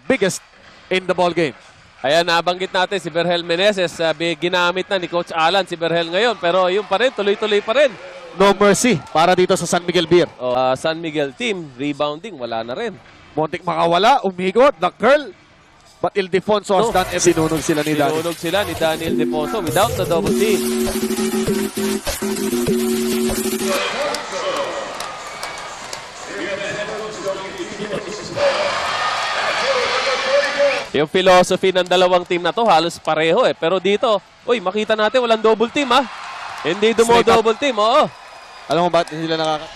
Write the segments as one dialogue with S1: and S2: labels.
S1: biggest in the ball game.
S2: Ayan, nabanggit natin si Berhel Meneses. Ginamit na ni Coach Alan si Berhel ngayon. Pero yun pa rin, tuloy-tuloy pa rin.
S1: No mercy para dito sa San Miguel Beer.
S2: San Miguel team, rebounding, wala na rin.
S1: Montik makawala, umigot, the curl. But Ildefonso has done everything. Sinunog sila ni Daniel.
S2: Sinunog sila ni Daniel Ildefonso without the double team. Yung philosophy ng dalawang team na to halos pareho eh. Pero dito, uy, makita natin walang double team ah. Hindi double team, oo.
S1: Alam mo ba hindi sila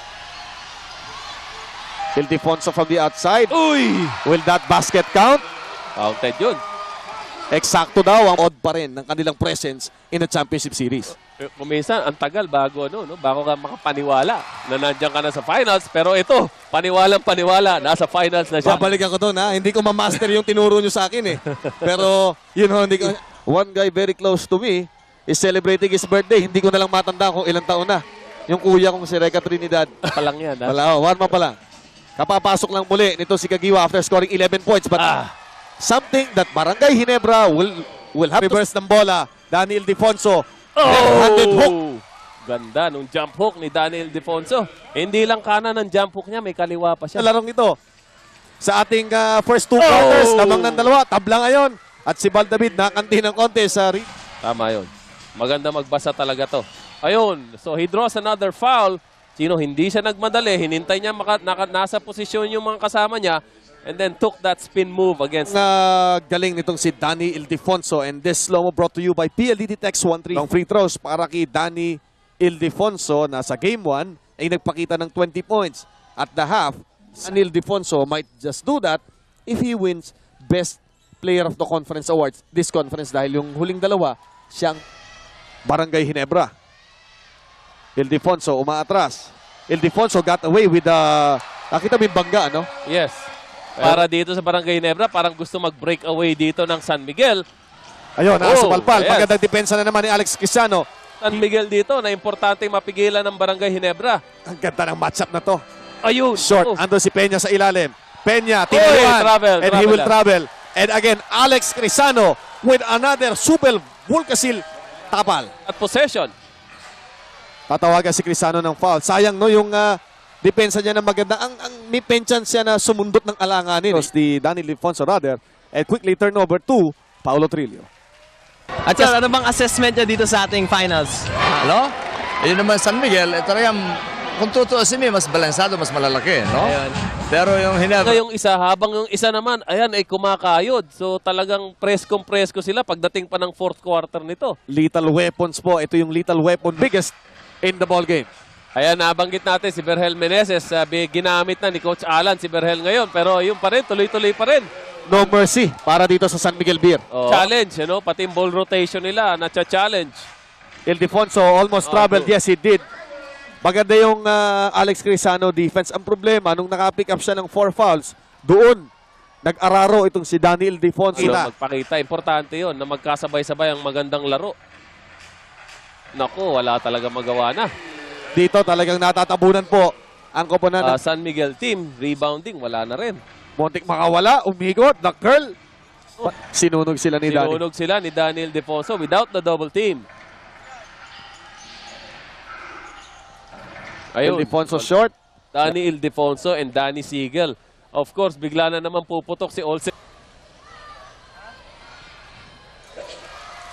S1: Ildefonso from the outside.
S2: Uy!
S1: Will that basket count?
S2: Counted yun.
S1: Eksakto daw ang odd pa rin ng kanilang presence in the championship series.
S2: Kuminsan, ang tagal bago bago ka makapaniwala na nandiyan ka na sa finals. Pero ito, paniwalang-paniwala, nasa finals na siya.
S1: Babalikan ko doon ha. Hindi ko ma-master yung tinuro nyo sa akin eh. Pero, hindi ko. One guy very close to me is celebrating his birthday. Hindi ko na lang matanda kung ilang taon na. Yung kuya kong si Reka Trinidad.
S2: Palang yan. Ha?
S1: Wala, one man pa lang. Kapapasok lang muli nito si Kagiwa after scoring 11 points. But something that Barangay Ginebra will have reverse ng bola. Daniel Ildefonso. Left-handed hook.
S2: Ganda nung jump hook ni Daniel Ildefonso. Hindi lang kanan ng jump hook niya, may kaliwa pa siya.
S1: Sa larong ito, sa ating first two quarters, lamang ng dalawa, tabla ngayon. At si Baldavid nakanti ng konti sa
S2: Tama yun. Maganda magbasa talaga to. Ayun, so he draws another foul. Sino, hindi siya nagmadali. Hinintay niya nasa posisyon yung mga kasama niya. And then took that spin move against...
S1: galing nitong si Danny Ildefonso. And this slow-mo brought to you by PLDT Text 13. Long free throws para kay Danny Ildefonso na sa Game 1 ay nagpakita ng 20 points. At the half, Danny Ildefonso might just do that if he wins Best Player of the Conference Awards this conference dahil yung huling dalawa, siyang Barangay Ginebra. Ildefonso umaatras. Ildefonso got away with the... Nakita mo yung bangga, ano?
S2: Yes. Para dito sa Barangay Ginebra, parang gusto mag-break away dito ng San Miguel.
S1: Ayun, nakasupalpal.
S2: Yes.
S1: Magandang depensa na naman ni Alex Cristiano.
S2: San Miguel dito na importante mapigilan ng Barangay Ginebra.
S1: Ang ganda ng matchup na to.
S2: Ayun.
S1: Short, ando si Peña sa ilalim. Peña, tinuruan, and he will travel. And again, Alex Cristiano with another super Vulcasil tapal.
S2: At possession.
S1: Tatawagan si Cristiano ng foul. Sayang no, yung depensa niya na maganda. Ang may penchant siya na sumundot ng alanganin. Di Daniel Ildefonso rather. And quickly turnover to Paulo Trillo.
S3: At sir, ano bang assessment niya dito sa ating finals?
S4: Ano? Yun naman San Miguel, talagang kung tutuusin mo, mas balansado, mas malalaki, no?
S3: Ayun.
S4: Pero yung Ginebra...
S2: Yung isa, habang yung isa naman, ayan, ay kumakayod. So talagang presko sila pagdating pa ng fourth quarter nito.
S1: Lethal weapons po. Ito yung lethal weapon. Biggest in the ball game.
S2: Ayan, nabanggit natin si Berhel Meneses. Ginamit na ni Coach Alan si Berhel ngayon. Pero yun pa rin, tuloy-tuloy pa rin.
S1: No mercy para dito sa San Miguel Beer.
S2: Challenge, pati yung ball rotation nila, na-challenge.
S1: Ildefonso almost traveled. Yes, he did. Maganda yung Alex Cristiano defense. Ang problema, nung naka-pick up siya ng 4 fouls, doon, nag-araro itong si Danny Ildefonso.
S2: Magpakita, importante yon na magkasabay-sabay ang magandang laro. Naku, wala talaga magawa na.
S1: Dito talagang natatabunan po ang koponan ng
S2: San Miguel team, rebounding, wala na rin.
S1: Montik makawala, umigot, the curl. Sinunog sila ni Danny.
S2: Sinunog sila ni Daniel Ildefonso without the double team. Ayun.
S1: Ildefonso short.
S2: Danny Ildefonso and Danny Siegel. Of course, bigla na naman puputok si Olsen.